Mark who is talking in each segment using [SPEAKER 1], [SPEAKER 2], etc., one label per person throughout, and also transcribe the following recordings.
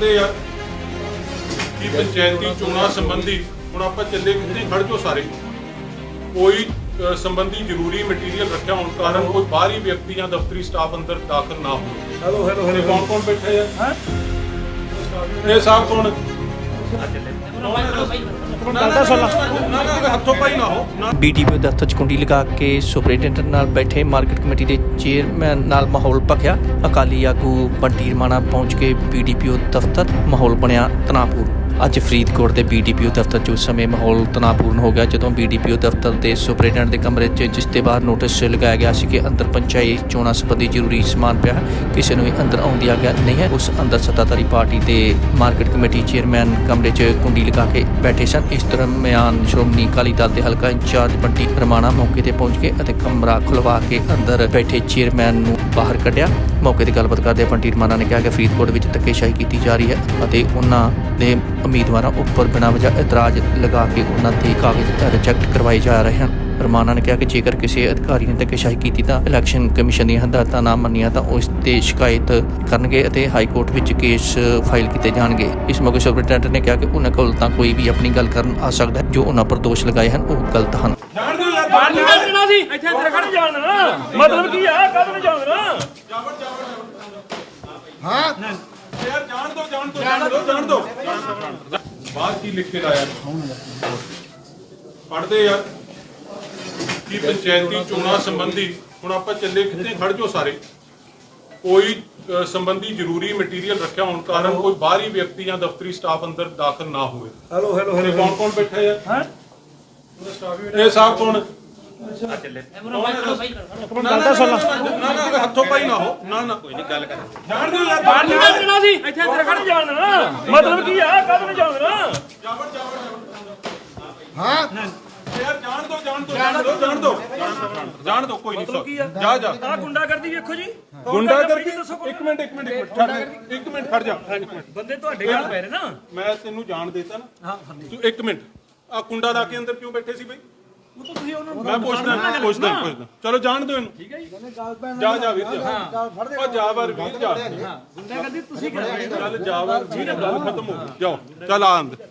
[SPEAKER 1] पढ़ते यार कि पंचायती चोणां संबंधी हुण आपां चले कितने खड़ जो सारे कोई संबंधी जरूरी मटीरियल रखा होने कारण कोई बाहरी व्यक्ति या दफ्तरी स्टाफ अंदर दाखिल ना हो।
[SPEAKER 2] हेलो हेलो हेलो
[SPEAKER 1] कौन कौन बैठे हैं ये साहब कौन हथों पाई ना हो।
[SPEAKER 3] BDPO ਦਫ਼ਤਰ 'ਚ ਕੁੰਡੀ ਲਗਾ ਕੇ ਸੁਪਰਡੈਂਟੈਂਟ ਨਾਲ ਬੈਠੇ ਮਾਰਕੀਟ ਕਮੇਟੀ ਦੇ ਚੇਅਰਮੈਨ ਨਾਲ ਮਾਹੌਲ ਭਖਿਆ। ਅਕਾਲੀ ਆਗੂ ਬੰਟੀ ਰਮਾਣਾ ਪਹੁੰਚ ਕੇ BDPO ਦਫ਼ਤਰ, ਮਾਹੌਲ ਬਣਿਆ ਤਣਾਅਪੂਰਨ। ਅੱਜ ਫਰੀਦਕੋਟ ਦੇ BDPO ਦਫ਼ਤਰ 'ਚ ਉਸ ਸਮੇਂ ਮਾਹੌਲ ਤਣਾਅਪੂਰਨ ਹੋ ਗਿਆ ਜਦੋਂ BDPO ਦਫ਼ਤਰ ਦੇ ਸੁਪਰਡੈਂਟ ਦੇ ਕਮਰੇ 'ਚ ਜਿਸ ਦੇ ਬਾਹਰ ਨੋਟਿਸ ਲਗਾਇਆ ਗਿਆ ਸੀ ਕਿ ਅੰਦਰ ਪੰਚਾਇਤ ਚੋਣਾਂ ਸੰਬੰਧੀ ਜ਼ਰੂਰੀ ਸਮਾਨ ਪਿਆ ਹੈ, ਕਿਸੇ ਨੂੰ ਵੀ ਅੰਦਰ ਆਉਣ ਦੀ ਆਗਿਆ ਨਹੀਂ ਹੈ। ਉਸ ਅੰਦਰ ਸੱਤਾਧਾਰੀ ਪਾਰਟੀ ਦੇ ਮਾਰਕੀਟ ਕਮੇਟੀ ਚੇਅਰਮੈਨ ਕਮਰੇ 'ਚ ਕੁੰਡੀ ਲਗਾ ਕੇ ਬੈਠੇ ਸਨ। ਇਸ ਦਰਮਿਆਨ ਸ਼੍ਰੋਮਣੀ ਅਕਾਲੀ ਦਲ ਦੇ ਹਲਕਾ ਇੰਚਾਰਜ ਬੰਟੀ ਰਮਾਣਾ ਮੌਕੇ ਤੇ ਪਹੁੰਚ ਕੇ ਅਤੇ ਕਮਰਾ ਖੁਲਵਾ ਕੇ ਅੰਦਰ ਬੈਠੇ ਚੇਅਰਮੈਨ ਨੂੰ ਬਾਹਰ ਕੱਢਿਆ। ਮੌਕੇ ਤੇ ਗੱਲਬਾਤ ਕਰਦੇ ਬੰਟੀ ਰਮਾਣਾ ਨੇ ਕਿਹਾ ਕਿ ਫਰੀਦਕੋਟ ਵਿੱਚ ਧੱਕੇਸ਼ਾਹੀ ਕੀਤੀ ਜਾ ਰਹੀ ਹੈ ਅਤੇ ਉਹਨਾਂ ਦੇ ਉਮੀਦਵਾਰਾਂ ਉੱਪਰ ਬਿਨਾਂ ਵਜ੍ਹਾ ਇਤਰਾਜ਼ ਲਗਾ ਕੇ ਉਹਨਾਂ ਦੇ ਕਾਗਜ਼ ਰਿਜੈਕਟ ਕਰਵਾਏ ਜਾ ਰਹੇ ਹਨ। ਰਮਾਣਾ ਨੇ ਕਿਹਾ ਕਿ ਜੇਕਰ ਕਿਸੇ ਅਧਿਕਾਰੀ ਨੇ ਧੱਕੇਸ਼ਾਹੀ ਕੀਤੀ ਤਾਂ ਇਲੈਕਸ਼ਨ ਕਮਿਸ਼ਨ ਦੀਆਂ ਹਦਾਇਤਾਂ ਨਾ ਮੰਨੀਆਂ ਤਾਂ ਉਸ ਤੇ ਸ਼ਿਕਾਇਤ ਕਰਨਗੇ ਅਤੇ ਹਾਈ ਕੋਰਟ ਵਿੱਚ ਕੇਸ ਫਾਈਲ ਕੀਤੇ ਜਾਣਗੇ। ਇਸ ਮੌਕੇ ਸੁਪਰਡੈਂਟ ਨੇ ਕਿਹਾ ਕਿ ਉਹਨਾਂ ਕੋਲ ਤਾਂ ਕੋਈ ਵੀ ਆਪਣੀ ਗੱਲ ਕਰਨ ਆ ਸਕਦਾ ਹੈ, ਜੋ ਉਹਨਾਂ ਪਰ ਦੋਸ਼ ਲਗਾਏ ਹਨ ਉਹ ਗਲਤ ਹਨ।
[SPEAKER 2] मतलब की है कब नहीं जान रहा
[SPEAKER 1] हाँ यार जान दो बात की लिख के लाया पढ़ते यार कि पंचायती चोणां संबंधी हुण आपां चले कितने खड़ जो सारे कोई संबंधी जरूरी मटीरियल रखा होने कारण कोई बाहरी व्यक्ति या दफ्तरी स्टाफ अंदर दाखिल ना हुए।
[SPEAKER 2] हेलो हेलो हेलो
[SPEAKER 1] कौन कौन बैठे हैं ये साहब कौन हथों पाई ना हो ना कोई नहीं गल कर जान दो यार
[SPEAKER 2] बाहर निकल देना सी ਇੱਥੇ ਅੰਦਰ ਖੜ ਜਾਣ ਨਾ मतलब की है कब नहीं जान रहा
[SPEAKER 1] हाँ यार जान दो कोई नहीं जा
[SPEAKER 2] ਆ ਗੁੰਡਾਗਰਦੀ ਵੇਖੋ ਜੀ
[SPEAKER 1] ਗੁੰਡਾਗਰਦੀ ਇੱਕ ਮਿੰਟ ਖੜ ਜਾ
[SPEAKER 2] ਬੰਦੇ ਤੁਹਾਡੇ ਗੱਲ ਪੈ ਰਹੇ ਨਾ
[SPEAKER 1] ਮੈਂ ਤੈਨੂੰ ਜਾਣ ਦੇਤਾ ਨਾ ਹਾਂ ਤੂੰ ਇੱਕ ਮਿੰਟ ਆ ਕੁੰਡਾ ਲਾ ਕੇ ਅੰਦਰ ਕਿਉਂ ਬੈਠੇ ਸੀ ਬਈ
[SPEAKER 2] ਉਹ ਤਾਂ ਤੁਸੀਂ ਉਹਨਾਂ ਨੂੰ
[SPEAKER 1] ਮੈਂ ਪੁੱਛਦਾ ਚਲੋ ਜਾਣ ਦਿਓ ਇਹਨੂੰ ਠੀਕ ਹੈ ਜੀ ਜਾ ਵੀਰ ਜਾ ਉਹ ਜਾ ਵਾਰ ਵੀਰ ਜਾ
[SPEAKER 2] ਗੁੰਡਾਗਰਦੀ ਤੁਸੀਂ ਕਰ ਰਹੇ ਹੋ
[SPEAKER 1] ਚੱਲ ਜਾ ਵਾਰ ਵੀਰ ਗੱਲ ਖਤਮ ਹੋ ਗਈ ਜਾਓ ਚੱਲ ਆ ਅੰਦਰ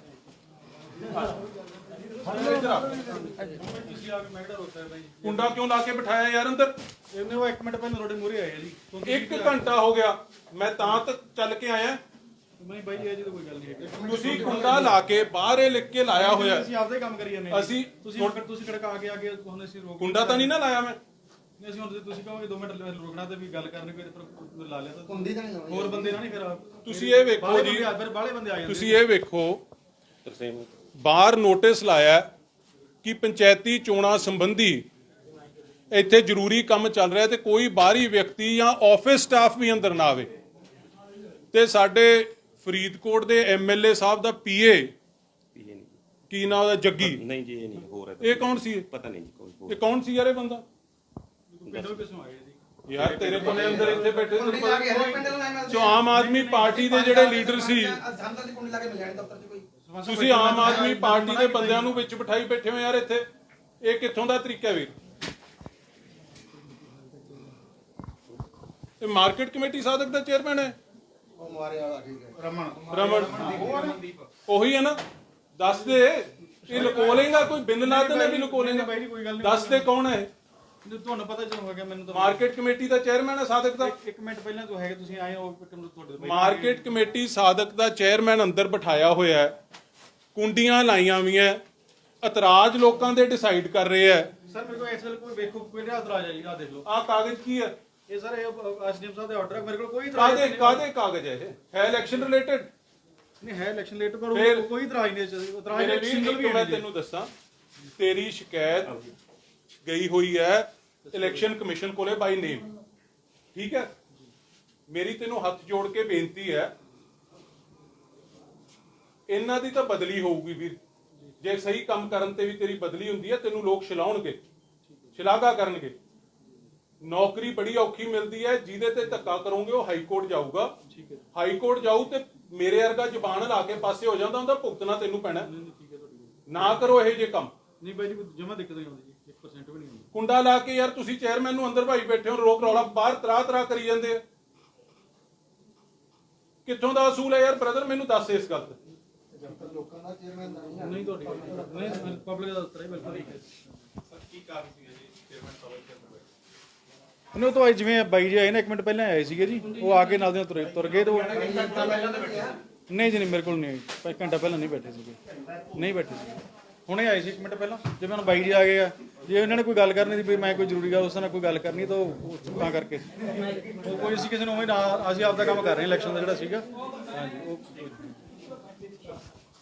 [SPEAKER 1] ਕੁੰਡਾ ਕਿਉਂ ਲਾ ਕੇ ਬਿਠਾਇਆ ਯਾਰ ਅੰਦਰ
[SPEAKER 4] ਇਹਨੇ ਉਹ 1 ਮਿੰਟ ਪਹਿਲਾਂ ਤੁਹਾਡੇ ਮੂਹਰੇ ਆਏ ਜੀ
[SPEAKER 1] 1 ਘੰਟਾ ਹੋ ਗਿਆ ਮੈਂ ਤਾਂ ਚੱਲ ਕੇ ਆਇਆ
[SPEAKER 4] ਨਹੀਂ ਬਾਈ ਇਹ ਜੀ ਤਾਂ ਕੋਈ ਗੱਲ ਨਹੀਂ ਹੈ
[SPEAKER 1] ਤੁਸੀਂ ਕੁੰਡਾ ਲਾ ਕੇ ਬਾਹਰ ਇਹ ਲਿਖ ਕੇ ਲਾਇਆ ਹੋਇਆ
[SPEAKER 4] ਅਸੀਂ ਆਪਦੇ ਕੰਮ ਕਰੀ ਜਾਂਦੇ
[SPEAKER 1] ਅਸੀਂ
[SPEAKER 4] ਤੁਸੀਂ ਕੜਕਾ ਕੇ ਆ ਕੇ ਹੁਣ ਅਸੀਂ ਰੋਕ
[SPEAKER 1] ਕੁੰਡਾ ਤਾਂ ਨਹੀਂ ਨਾ ਲਾਇਆ ਮੈਂ
[SPEAKER 4] ਨਹੀਂ ਅਸੀਂ ਹੁਣ ਤੁਸੀਂ ਕਹੋਗੇ 2 ਮਿੰਟ ਰੁਕਣਾ ਤੇ ਵੀ ਗੱਲ ਕਰਨੀ ਕੋਈ ਤੇ ਲਾ ਲਿਆ ਤਾਂ ਹੁੰਦੀ ਤਾਂ ਨਹੀਂ ਹੋਰ ਬੰਦੇ ਨਾਲ ਨਹੀਂ ਫਿਰ
[SPEAKER 1] ਤੁਸੀਂ ਇਹ ਵੇਖੋ ਜੀ
[SPEAKER 4] ਫਿਰ ਬਾਹਲੇ ਬੰਦੇ ਆ ਜਾਂਦੇ
[SPEAKER 1] ਤੁਸੀਂ ਇਹ ਵੇਖੋ ਬਾਹਰ ਨੋਟਿਸ ਲਾਇਆ ਕਿ ਪੰਚਾਇਤੀ ਚੋਣਾਂ ਸੰਬੰਧੀ ਇੱਥੇ ਜ਼ਰੂਰੀ ਕੰਮ ਚੱਲ ਰਿਹਾ ਤੇ ਕੋਈ ਬਾਹਰੀ ਵਿਅਕਤੀ ਜਾਂ ਆਫਿਸ ਸਟਾਫ ਵੀ ਅੰਦਰ ਨਾ ਆਵੇ। ਤੇ ਸਾਡੇ ਫਰੀਦਕੋਟ ਦੇ MLA ਸਾਹਿਬ ਦਾ PA ਕੀ ਨਾਮ ਉਹਦਾ ਜੱਗੀ
[SPEAKER 5] ਨਹੀਂ ਜੀ ਇਹ ਨਹੀਂ ਹੋਰ ਹੈ
[SPEAKER 1] ਇਹ ਕੌਣ ਸੀ
[SPEAKER 5] ਪਤਾ ਨਹੀਂ ਜੀ ਕੋਈ
[SPEAKER 1] ਇਹ ਕੌਣ ਸੀ ਯਾਰ ਇਹ ਬੰਦਾ
[SPEAKER 4] ਪਿੰਡੋਂ ਕਿਸੋਂ ਆਏ ਜੀ
[SPEAKER 1] ਯਾਰ ਤੇਰੇ ਕੋਲੇ ਅੰਦਰ ਇੱਥੇ ਬੈਠੇ ਜੋ ਆਮ ਆਦਮੀ ਪਾਰਟੀ ਦੇ ਜਿਹੜੇ ਲੀਡਰ ਸੀ ਤੁਸੀਂ ਆਮ ਆਦਮੀ ਪਾਰਟੀ ਦੇ ਬੰਦਿਆਂ ਨੂੰ ਵਿੱਚ ਬਿਠਾਈ ਬੈਠੇ ਹੋ ਯਾਰ ਇੱਥੇ ਇਹ ਕਿੱਥੋਂ ਦਾ ਤਰੀਕਾ ਵੀਰ ਇਹ ਮਾਰਕੀਟ ਕਮੇਟੀ ਸਾਧਕ ਦਾ ਚੇਅਰਮੈਨ ਹੈ
[SPEAKER 4] ਉਹ ਮਾਰੇ ਵਾਲਾ ਠੀਕ ਹੈ
[SPEAKER 1] ਰਮਨ ਉਹੀ ਹੈ ਨਾ ਦੱਸ ਦੇ ਇਹ ਲੁਕੋ ਲੇਗਾ ਕੋਈ ਬਿੰਦ ਨਾਦ ਨੇ ਵੀ ਲੁਕੋ ਲੇਗਾ
[SPEAKER 4] ਬਾਈ ਕੋਈ ਗੱਲ ਨਹੀਂ
[SPEAKER 1] ਦੱਸ ਦੇ ਕੌਣ ਹੈ
[SPEAKER 4] ਤੁਹਾਨੂੰ ਪਤਾ ਜਦੋਂ ਹੋ ਗਿਆ ਮੈਨੂੰ ਤਾਂ
[SPEAKER 1] ਮਾਰਕੀਟ ਕਮੇਟੀ ਦਾ ਚੇਅਰਮੈਨ ਹੈ ਸਾਧਕ ਦਾ
[SPEAKER 4] 1 ਮਿੰਟ ਪਹਿਲਾਂ ਤੋਂ ਹੈਗੇ ਤੁਸੀਂ ਆਏ ਹੋ ਤੁਹਾਡੇ
[SPEAKER 1] ਮਾਰਕੀਟ ਕਮੇਟੀ ਸਾਧਕ ਦਾ ਚੇਅਰਮੈਨ ਅੰਦਰ ਬਿਠਾਇਆ ਹੋਇਆ ਹੈ ਕੁੰਡੀਆਂ ਲਾਈਆਂ ਹੋਈਆਂ ਇਤਰਾਜ਼ ਲੋਕਾਂ ਦੇ ਡਿਸਾਈਡ ਕਰ ਰਹੇ ਹੈ
[SPEAKER 4] ਸਰ ਮੇਰੇ ਕੋਲ ਇਸ ਵੇਲੇ ਕੋਈ ਵੇਖੋ ਕੋਈ ਇਤਰਾਜ਼ ਆ ਜੀ ਆ ਦੇਖ ਲਓ
[SPEAKER 1] ਆਹ ਕਾਗਜ਼ ਕੀ ਹੈ
[SPEAKER 4] ਇਹ ਸਰ ਇਹ ਐਸਡੀਐਮ ਸਾਹਿਬ ਦੇ ਆਰਡਰ ਹੈ ਮੇਰੇ ਕੋਲ ਕੋਈ
[SPEAKER 1] ਕਾਦੇ ਕਾਗਜ਼ ਹੈ ਇਹ ਹੈ ਇਲੈਕਸ਼ਨ ਰਿਲੇਟਡ
[SPEAKER 4] ਨਹੀਂ ਹੈ ਇਲੈਕਸ਼ਨ ਲੇਟ ਪਰ ਕੋਈ ਇਤਰਾਜ਼ ਨਹੀਂ ਇਤਰਾਜ਼
[SPEAKER 1] ਮੇਰੇ
[SPEAKER 4] ਸਿੰਗਲ ਵੀ
[SPEAKER 1] ਮੈਂ ਤੈਨੂੰ ਦੱਸਾਂ ਤੇਰੀ ਸ਼ਿਕਾਇਤ ਗਈ ਹੋਈ ਹੈ ਇਲੈਕਸ਼ਨ ਕਮਿਸ਼ਨ ਕੋਲੇ ਬਾਈ ਨੇਮ ਠੀਕ ਹੈ ਮੇਰੀ ਤੈਨੂੰ ਹੱਥ ਜੋੜ ਕੇ ਬੇਨਤੀ ਹੈ ਇਹਨਾਂ ਦੀ ਤਾਂ ਬਦਲੀ ਹੋਊਗੀ ਵੀਰ ਜੇ ਸਹੀ ਕੰਮ ਕਰਨ ਤੇ ਵੀ ਤੇਰੀ ਬਦਲੀ ਹੁੰਦੀ ਹੈ ਤੈਨੂੰ ਲੋਕ ਛਲਾਉਣਗੇ ਸ਼ਲਾਘਾ ਕਰਨਗੇ ਨੌਕਰੀ ਬੜੀ ਔਖੀ ਮਿਲਦੀ ਹੈ ਜਿਹਦੇ ਤੇ ਧੱਕਾ ਕਰੋਗੇ ਉਹ ਹਾਈ ਕੋਰਟ ਜਾਊਗਾ ਠੀਕ ਹੈ ਹਾਈ ਕੋਰਟ ਜਾਊ ਤੇ ਮੇਰੇ ਵਰਗਾ ਜ਼ੁਬਾਨ ਲਾ ਕੇ ਪਾਸੇ ਹੋ ਜਾਂਦਾ ਉਹਦਾ ਭੁਗਤਣਾ ਤੈਨੂੰ ਪੈਣਾ ਨਾ ਕਰੋ ਇਹ ਜੇ ਕੰਮ
[SPEAKER 4] ਨਹੀਂ ਬਾਈ ਜੀ ਜਮਾ ਦਿੱਕਤ ਨਹੀਂ ਆਉਂਦੀ ਜੀ 1% ਵੀ ਨਹੀਂ ਆਉਂਦੀ
[SPEAKER 1] ਕੁੰਡਾ ਲਾ ਕੇ ਯਾਰ ਤੁਸੀਂ ਚੇਅਰਮੈਨ ਨੂੰ ਅੰਦਰ ਭਾਈ ਬੈਠੇ ਹੋ ਰੋਕ ਰੌਲਾ ਬਾਹਰ ਤਰਾ ਕਰੀ ਜਾਂਦੇ ਆ ਕਿੱਥੋਂ ਦਾ ਅਸੂਲ ਹੈ ਯਾਰ ਬ੍ਰਦਰ, ਮੈਨੂੰ ਦੱਸ ਇਸ ਗੱਲ ਤੇ।
[SPEAKER 4] ਨਹੀਂ ਤੁਹਾਡੀ ਨਹੀਂ ਪਬਲਿਕ ਦਾ ਉੱਤਰ ਹੈ ਬਿਲਕੁਲ ਠੀਕ ਹੈ
[SPEAKER 1] ਕੀ ਕਾਰਨ ਸੀ ਜੀ ਚੇਅਰਮੈਨ ਸਾਹਿਬ
[SPEAKER 4] ਉਹਨੇ ਤਾਂ ਜਿਵੇਂ ਬਾਈ ਜੀ ਆਏ ਨਾ 1 ਮਿੰਟ ਪਹਿਲਾਂ ਆਏ ਸੀਗੇ ਜੀ, ਉਹ ਆ ਕੇ ਨਾਲ ਦੇ ਤੁਰ ਗਏ ਤੇ ਨਹੀਂ ਜੀ ਨਹੀਂ ਮੇਰੇ ਕੋਲ ਨਹੀਂ ਆਈ, ਘੰਟਾ ਪਹਿਲਾਂ ਨਹੀਂ ਬੈਠੇ ਸੀਗੇ, ਨਹੀਂ ਬੈਠੇ ਸੀਗੇ, ਹੁਣੇ ਆਏ ਸੀ 1 ਮਿੰਟ ਪਹਿਲਾਂ। ਜਿਵੇਂ ਹੁਣ ਬਾਈ ਜੀ ਆ ਗਏ ਆ, ਜੇ ਉਹਨਾਂ ਨੇ ਕੋਈ ਗੱਲ ਕਰਨੀ ਸੀ ਵੀ ਮੈਂ ਕੋਈ ਜ਼ਰੂਰੀ ਗੱਲ ਉਸ ਨਾਲ ਕੋਈ ਗੱਲ ਕਰਨੀ ਤਾਂ ਉਹ ਤਾਂ ਕਰਕੇ ਉਹ ਕੋਈ ਅਸੀਂ ਕਿਸੇ ਨੂੰ ਉਵੇਂ ਨਾ, ਅਸੀਂ ਆਪਦਾ ਕੰਮ ਕਰ ਰਹੇ ਹਾਂ ਇਲੈਕਸ਼ਨ ਦਾ ਜਿਹੜਾ ਸੀਗਾ। ਹਾਂਜੀ ਉਹ